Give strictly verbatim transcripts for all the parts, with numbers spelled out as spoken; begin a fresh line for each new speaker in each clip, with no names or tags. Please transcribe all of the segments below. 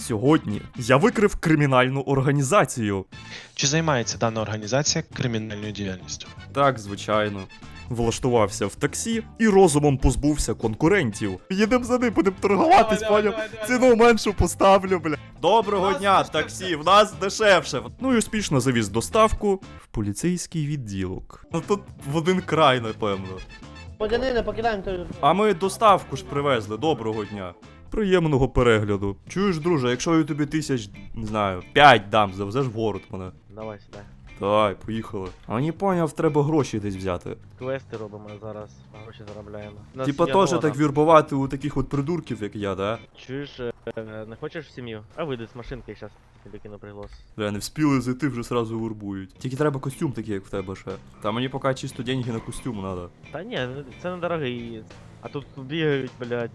Сьогодні я викрив кримінальну організацію.
Чи займається дана організація кримінальною діяльністю?
Так, звичайно. Влаштувався в таксі і розумом позбувся конкурентів. Їдем за ним, будемо торгуватись,
Давай,
поняв?
давай, давай,
Ціну меншу поставлю, бля. Доброго
нас
дня,
дешевше.
таксі, в нас дешевше. Ну і успішно завіз доставку в поліцейський відділок. Ну тут в один край, напевно.
Погани, покидаємо той.
А ми доставку ж привезли, доброго дня. Приємного перегляду. Чуєш, друже, якщо я тобі тисяч, не знаю, п'ять дам, завезеш в город мене.
Давай сюди.
Давай, поїхали. А не поняв, треба гроші десь взяти.
Квести робимо зараз, гроші заробляємо. У нас
Типа
є
теж
нова,
так вірбувати у таких от придурків, як я, да?
Чуєш, е, не хочеш в сім'ю? А вийди з машинки, зараз тобі кину приглас.
Бля, не вспіли зайти, вже сразу вурбують. Тільки треба костюм такий, як в тебе ще. Та мені поки чисто деньги на костюм надо.
Та ні, це не дорогий. А тут бігають, блядь,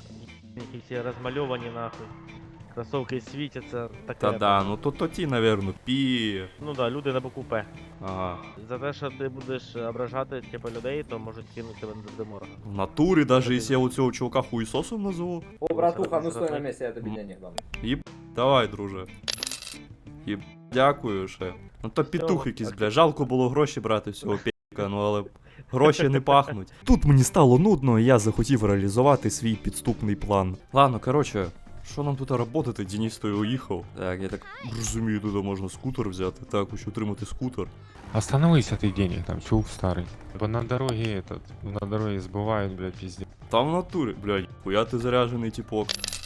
які всі розмальовані нахуй. Кросовки світяться, таке.
Та да, ну то то ті, наверно, пі.
Ну да, люди на боку П.
Ага.
За те, що ти будеш ображати типу, людей, то можуть кинути тебе до морга.
В натурі, даже якщо я у цього чувака хуїсосом назову.
О, братуха, ну стой на месте, я тобі денег дам.
Їб, давай, друже. Їб, дякую ще. Ну то петух якийсь, бля, жалко було гроші брати всього п'яка, ну але гроші не пахнуть. Тут мені стало нудно, і я захотів реалізувати свій підступний план. Ладно, короче, що нам тут работати? Денис той уїхав. Так, я так розумію, тут можна скутер взяти. Так, хочу отримати скутер.
Остановись от денег, там, чув старый. Бо на дороге этот, на дороге сбывают, блядь, пиздец.
Там в натурі, блядь, хуя ти заряджений типок.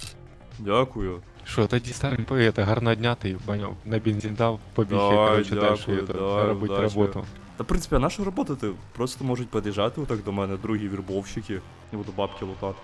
Дякую.
Що, тоді старий поет, гарного дня ти, понял, на бензин дав, побіг,
Давай,
я, короче,
дякую,
дальше это,
давай,
робити
удачі.
роботу.
Та, в принципі, а на що роботати? Просто можуть під'їжджати отак до мене другі вірбовщики. Я буду бабки лутати.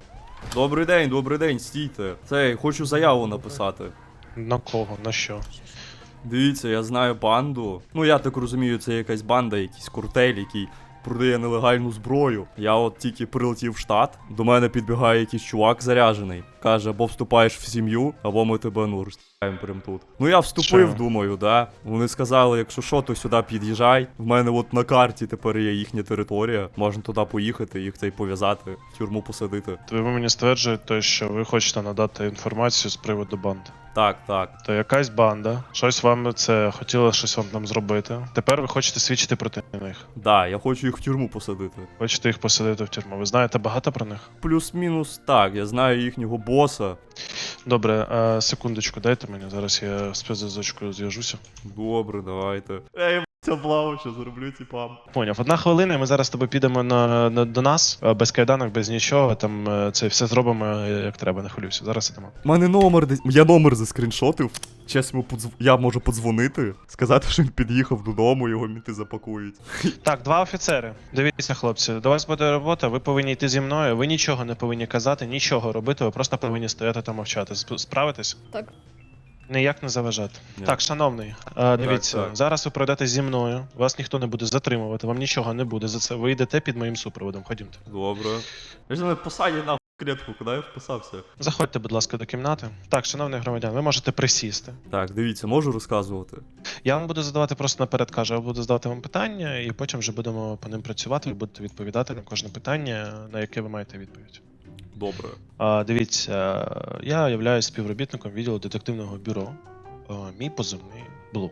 Добрий день, добрий день, стійте. Цей, хочу заяву написати.
На кого? На що?
Дивіться, я знаю банду. Ну, я так розумію, це якась банда, якийсь куртель, який продає нелегальну зброю. Я от тільки прилетів в штат, до мене підбігає якийсь чувак заряджений. Каже, або вступаєш в сім'ю, або ми тебе, ну, розстріляємо прям тут. Ну я вступив,
Що?
думаю, да. Вони сказали, якщо що, то сюди під'їжджай. В мене от на карті тепер є їхня територія. Можна туди поїхати, їх цей пов'язати, в тюрму посадити.
То ви мені стверджуєте, що ви хочете надати інформацію з приводу банди.
Так, так.
То якась банда, щось вам це хотіла щось вам там зробити. Тепер ви хочете свідчити проти них.
Да, я хочу їх в тюрму посадити.
Хочете їх посадити в тюрму. Ви знаєте багато про них?
Плюс-мінус так, я знаю їхнього боса.
Добре, а, секундочку, дайте мені, зараз я з спецзв'язочкою зв'яжуся.
Добре, давайте. Ей, ця блава, що зроблю типам.
Поняв, одна хвилина, і ми зараз з тобою підемо на, на, до нас, а, без кайданок, без нічого, там е, це все зробимо е, як треба, не хвилюйся. Зараз ідемо.
У мене номер десь. Я номер заскріншотив. Чесно, подзв... я можу подзвонити, сказати, що він під'їхав додому, його мінти запакують.
Так, два офіцери. Дивіться, хлопці, до вас буде робота, ви повинні йти зі мною, ви нічого не повинні казати, нічого робити, ви просто повинні стояти та мовчати. Сп- Справитесь?
Так.
Ніяк не заважати.
Ні.
Так, шановний, е, дивіться,
так.
зараз ви пройдете зі мною, вас ніхто не буде затримувати, вам нічого не буде за це. Ви йдете під моїм супроводом, ходімте.
Добре. Я ж не посаді на клітку, куди я вписався.
Заходьте, будь ласка, до кімнати. Так, шановний громадян, ви можете присісти.
Так, дивіться, можу розказувати.
Я вам буду задавати просто наперед кажу, я буду задавати вам питання, і потім вже будемо по ним працювати, ви будете відповідати на кожне питання, на яке ви маєте відповідь.
Добре.
А, дивіться, я являюсь співробітником відділу детективного бюро. А, мій позивний Блу.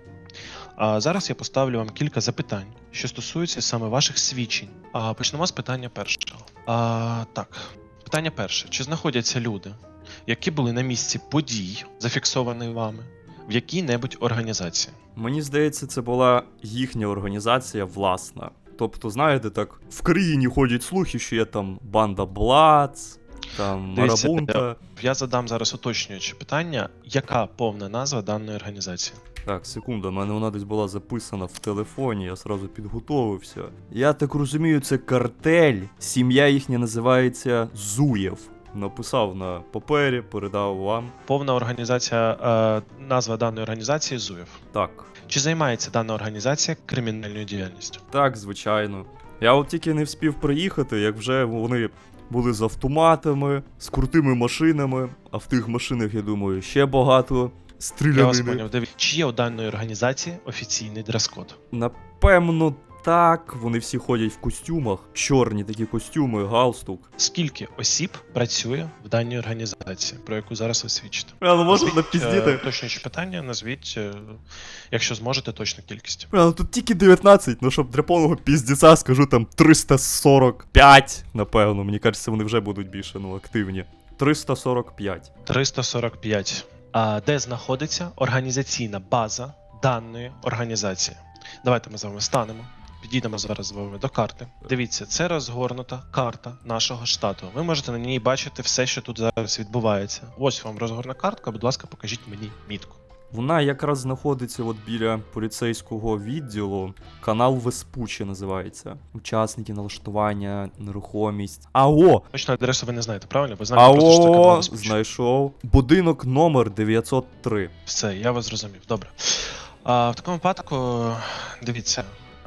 А зараз я поставлю вам кілька запитань, що стосуються саме ваших свідчень. А, почнемо з питання першого. А, так, питання перше. Чи знаходяться люди, які були на місці подій, зафіксованих вами, в якій-небудь організації?
Мені здається, це була їхня організація власна. Тобто, знаєте, так, в країні ходять слухи, що є там банда Блац, там
Дивіться,
Марабунта.
Я задам зараз уточнююче питання, яка повна назва даної організації?
Так, секунда, в мене вона десь була записана в телефоні, я сразу підготовився. Я так розумію, це картель, сім'я їхня називається Зуєв. Написав на папері, передав вам.
Повна організація, е, назва даної організації ЗУЄВ.
Так,
Чи займається дана організація кримінальною діяльністю?
так, звичайно. Я от тільки не вспів приїхати, як вже вони були з автоматами, з крутими машинами, а в тих машинах, я думаю, ще багато
Я вас
стрілянини.
поняв. Дивіться, чи є у даної організації офіційний дрес-код?
Напевно, так, вони всі ходять в костюмах. Чорні такі костюми, галстук.
Скільки осіб працює в даній організації, про яку зараз ви свідчите?
А, ну можна
Назвіть,
напіздіти?
е, Уточнюючи питання, назвіть, е, якщо зможете, точну кількість.
Бля, ну тут тільки дев'ятнадцять, ну щоб для повного піздіця скажу там триста сорок п'ять, напевно. Мені кажеться, вони вже будуть більше, ну, активні. триста сорок п'ять.
триста сорок п'ять. А де знаходиться організаційна база даної організації? Давайте ми з вами станемо. Підійдемо зараз з вами до карти. Дивіться, це розгорнута карта нашого штату. Ви можете на ній бачити все, що тут зараз відбувається. Ось вам розгорна картка, будь ласка, покажіть мені мітку.
Вона якраз знаходиться от біля поліцейського відділу. Канал Веспуччі називається. Учасники, налаштування, нерухомість. АО!
Точно адресу ви не знаєте, правильно? Ви знаєте просто, що це канал
АО!
Веспуччі.
Знайшов. Будинок номер дев'ятсот три.
Все, я вас зрозумів. Добре. А, в такому випадку, дивіться.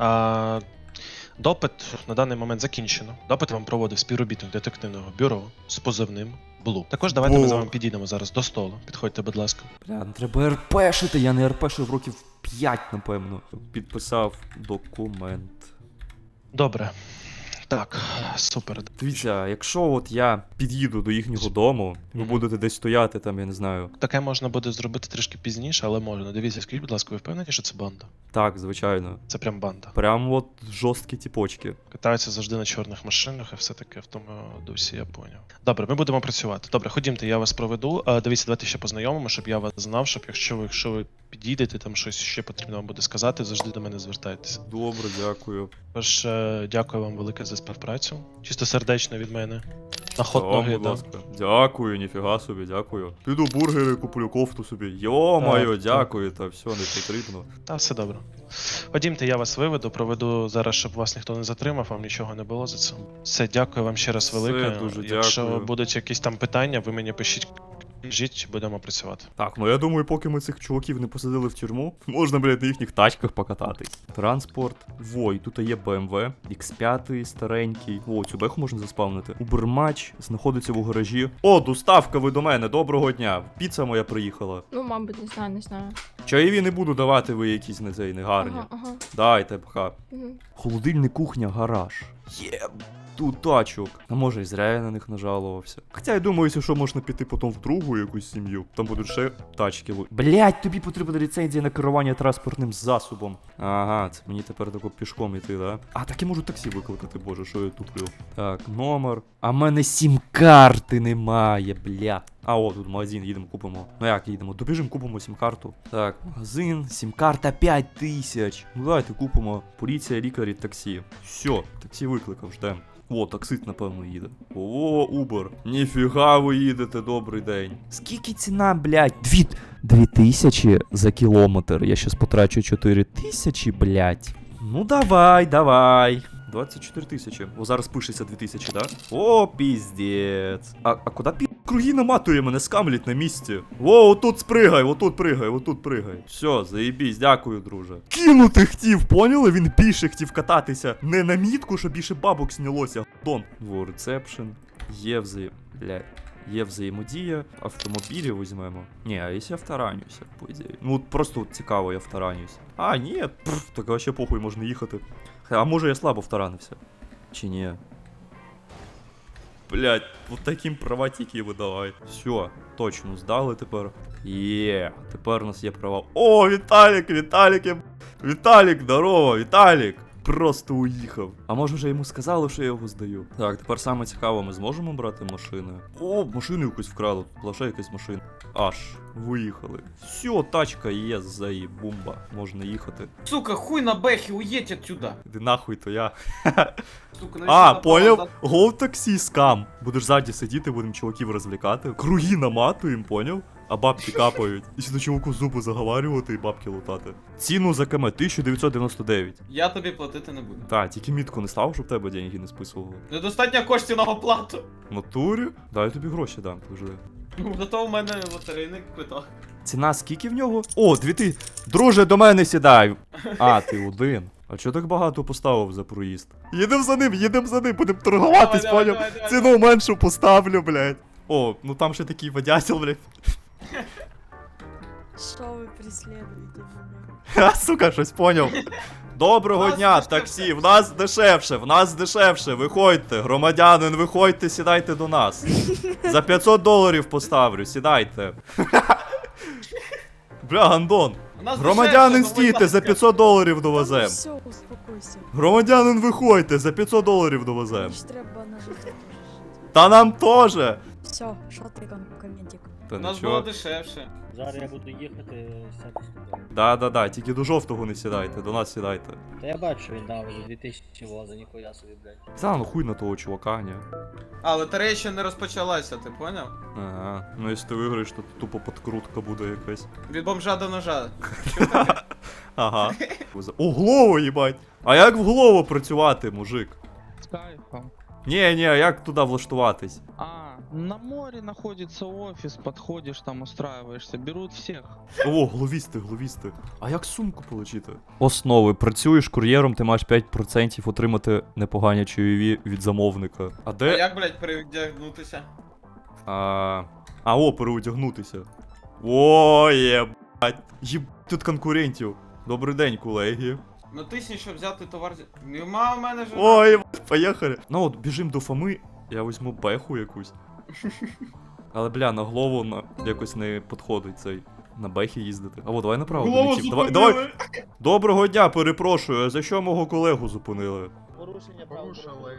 А, допит на даний момент закінчено. Допит вам проводив співробітник детективного бюро з позивним Блу. Також давайте ми з вами підійдемо зараз до столу. Підходьте, будь ласка.
Бля, ну треба РПшити, я не РПшив років п'ять, напевно. Підписав документ.
Добре. Так, супер.
Дивіться, якщо от я під'їду до їхнього дому, ви
Мгм.
будете десь стояти там, я не знаю.
Таке можна буде зробити трішки пізніше, але можна. Дивіться, скажіть, будь ласка, ви впевнені, що це банда?
Так, звичайно.
Це прям банда.
Прям от жорсткі тіпочки.
Катаються завжди на чорних машинах і все таке в тому дусі, я поняв. Добре, ми будемо працювати. Добре, ходімте, я вас проведу. А, дивіться, давайте ще познайомимо, щоб я вас знав, щоб якщо ви, якщо ви підійдете, там щось ще потрібно вам буде сказати, завжди до мене звертайтеся.
Добре, дякую.
Тож, е, дякую вам велике за співпрацю. Чисто сердечно від мене. На ход
Та,
ноги,
будь
да.
ласка. Дякую, ніфіга собі, дякую. Піду бургери, куплю кофту собі. Йо-моє,
Так,
дякую, та все, не потрібно.
Та все добре. Ходімте, я вас виведу, проведу зараз, щоб вас ніхто не затримав, вам нічого не було за це. Все, дякую вам ще раз
Все,
велике.
дуже
Якщо
дякую.
будуть якісь там питання, ви мені пишіть, кажіть, будемо працювати.
Так, ну я думаю, поки ми цих чуваків не посадили в тюрму, можна, блядь, на їхніх тачках покататись. Транспорт. Вой, тут є бе ем ве, ікс п'ять старенький. О, цю беху можна заспавнити. Убермач знаходиться в гаражі. О, доставка ви до мене, доброго дня. Піца моя приїхала.
Ну, мабуть, не знаю, не знаю.
Чаєві не буду давати, ви якісь не цей негарні.
Ага, ага.
Дайте, пха.
Мгм.
Холодильник, кухня, гараж. Є. Тут тачок. А може і зря я на них нажалувався. Хоча я думаю, якщо що, можна піти потім в другу якусь сім'ю. Там будуть ще тачки. Блять, тобі потрібна ліцензія на керування транспортним засобом. Ага, це мені тепер тако пішком іти, да? А так я можу таксі викликати, боже, що я туплю. Так, номер. А в мене сім-карти немає, бля. А о, тут магазин, їдемо, купимо. Ну як їдемо? Добіжимо, купимо сім-карту. Так, магазин, сім-карта п'ять тисяч. Ну давайте купимо. Поліція, лікарі, таксі. Все, таксі викликав, ждем. О, таксист, напевно, їде. О, Uber. Ніфіга ви їдете, добрий день. Скільки ціна, блядь? Дві... Дві тисячі за кілометр. Я щас потрачу чотири тисячі, блядь. Ну давай, давай. двадцять чотири тисячі. О, зараз пишеться дві тисячі, да? О, піздець. А, а куди пі... Круги наматує, мене скамлять на місці. О, отут спригай, отут пригай, отут пригай. Все, заєбісь, дякую, друже. Кинути хотів, поняли? Він більше хотів кататися. Не на мітку, щоб більше бабок снялося. Дон. Во, ресепшн. Є взаєм... Блядь. Є взаємодія, автомобілі візьмемо. Ні, а якщо я втаранюся, по ідеї. Ну от просто от цікаво, я втаранюся. А, ні, пф, так вообще похуй, можна їхати. А може я слабо втаранився? Чи ні? Блять, от таким права тільки видавай. Все, точно здали тепер. Є, тепер у нас є права. О, Віталік, Віталік, я... Віталік, здорово, Віталік! Просто уїхав. А може вже йому сказали, що я його здаю. Так, тепер саме цікаво, ми зможемо брати машини. О, машину якусь вкрали, тут лише якась машина. Аж, виїхали. Все, тачка є, заїбумба, можна їхати.
Сука, хуй на бэхе, уедь отсюда.
Іди нахуй, то я.
Сука, навіщо
А,
напала
поняв?
на-
Гоу таксі скам. Будеш ззаді сидіти, будемо чуваків розвлікати. Круги наматуємо, поняв? А бабки капають. І сюди чуваку зуби заговарювати і бабки лутати. Ціну за КМ тисяча дев'ятсот дев'яносто дев'ять.
Я тобі платити не буду.
Так, тільки мітку не став, щоб тебе деньги не списували.
Недостатньо коштів на оплату.
В натурі? Дай я тобі гроші дам, подожди.
Ну, зато в мене лотерейний квиток.
Ціна скільки в нього? О, дві ти. Друже, до мене сідай. А, ти один. А чого так багато поставив за проїзд? Їдем за ним, їдем за ним, будемо торгуватись,
Давай, давай,
поняв?
давай, давай,
Ціну меншу поставлю, блядь. О, ну там ще такий водятел, блядь.
Что вы преследуете меня?
Ха, сука, щось поняв. Доброго
Нас
дня,
дешевше.
таксі, в нас дешевше, в нас дешевше, виходьте, громадянин, виходьте, сідайте до нас. За п'ятсот доларів поставлю, сідайте. Бля, гандон.
У нас
Громадянин,
дешевше, ну, будь
стійте, за
ласка.
п'ятсот доларів довезем.
Все, успокойся.
Громадянин, виходьте, за п'ятсот доларів довезем.
Мені ж треба на життя теж жити.
Та нам теж.
Все, що ти ком- коментик?
Та
У нас було
нічого.
дешевше.
Зараз я буду їхати сяду сюди.
Да-да-да, тільки до жовтого не сідайте, до нас сідайте.
Та я бачу, він дав вже дві тисячі воза, ніхуя собі, блядь.
Та ну хуй на того чувака, ні.
А, лотерея ще не розпочалася, ти поняв?
Ага, ну якщо ти виграєш, то тупо подкрутка буде якась.
Від бомжа до ножа.
Ага. О, голову, їбать! А як в голову працювати, мужик?
С кайфом.
Ні, ні, а як туди влаштуватись?
А, на море находится офис, подходишь там, устраиваешься, берут всех.
О, гловісти, гловісти. А як сумку отримати? Основи. Працюєш кур'єром, ти маєш п'ять відсотків отримати непогані чайові від замовника. А
А
де?
як, блядь, перевдягнутися?
А, а о, переодягнутися. О, єбать. Єб... Тут конкурентів. Добрий день, колеги.
Ну тисні, щоб взяти товар. зі- Нема в мене ж.
Ой, єбать, поїхали. Ну от, біжим до Фоми, я візьму беху якусь. Але, бля, на голову на... якось не підходить цей. На бехі їздити. А от, давай направо
Голову
долетів. Давай,
зупинили.
давай. Доброго дня, перепрошую, а за що мого колегу зупинили?
Порушення прав.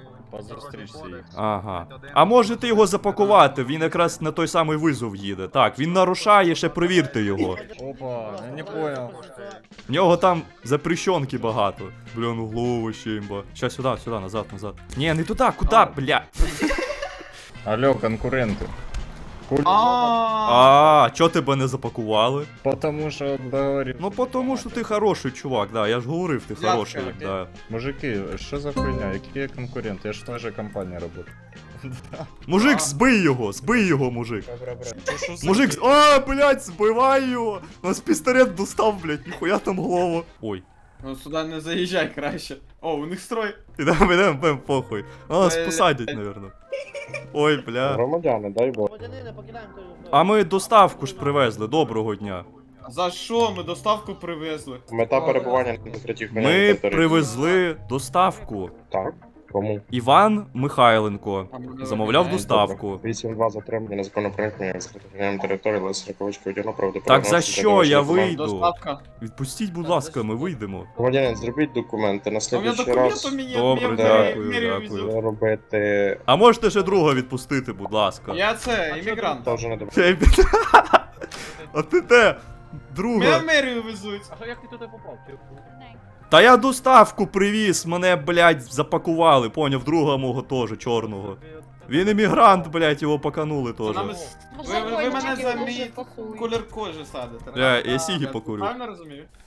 Ага. А можете його запакувати, він якраз на той самий визов їде. Так, він нарушає, ще перевірте його.
Опа, я не понял.
В нього там запрещенки багато. Бля, ну голову ще імба. Ща сюди, сюди, назад, назад. Ні, не туди, куди, бля?
Алло, конкуренты. Куль...
А,
А, чо тебе не запакували?
Потому что договорились.
Ну, потому що ти хороший чувак, да, я ж говорив, ти
Дядька,
хороший,
окей.
да.
Мужики, что за хуйня? Какие конкуренты? Я ж в той же компании работаю.
Мужик, збий його, збий його, мужик. Мужик, з- а, блядь, збивай його. У нас пістолет достав, блядь, ніхуя там голову. Ой.
ну сюди не заїжджай краще. О, у них строй.
Ідемо, ідемо, ідемо, похуй. А нас
Блядь.
посадять, наверно. Ой, бля.
Громадяни, дай бог.
Громадянина, покидаємо той.
А ми доставку ж привезли, доброго дня.
За що ми доставку привезли?
Мета перебування на третіх
Ми привезли доставку.
Так, кому?
Іван Михайленко
А ми
замовляв
не
доставку.
вісім два затримання незаконно проникнення з територіальної території, Лесі Раковички одягну
Так
правдоподобно.
за що я вийду?
Доставка.
Відпустіть, будь ласка, ми вийдемо.
Громадянин, зробіть документи. На
А у мене
слідуючий
документи
раз
мені
Добре,
мені
дякую,
мені
дякую.
везуть.
робити...
А можете ще друга відпустити, будь ласка.
Я це, іммігрант.
Теж не добре.
Ей, бля. А ти де?
Мене
Друга.
в мерію везуть.
А що як ти туди попав?
Та я доставку привіз, мене, блядь, запакували, поняв, друга мого теж, чорного. Він іммігрант, блядь, його поканули
Це нами
теж.
с- Ви, ви, ви мене за мій колір кожи садите.
Бля, я
А,
сігі
я
покурю.
Правильно розумію?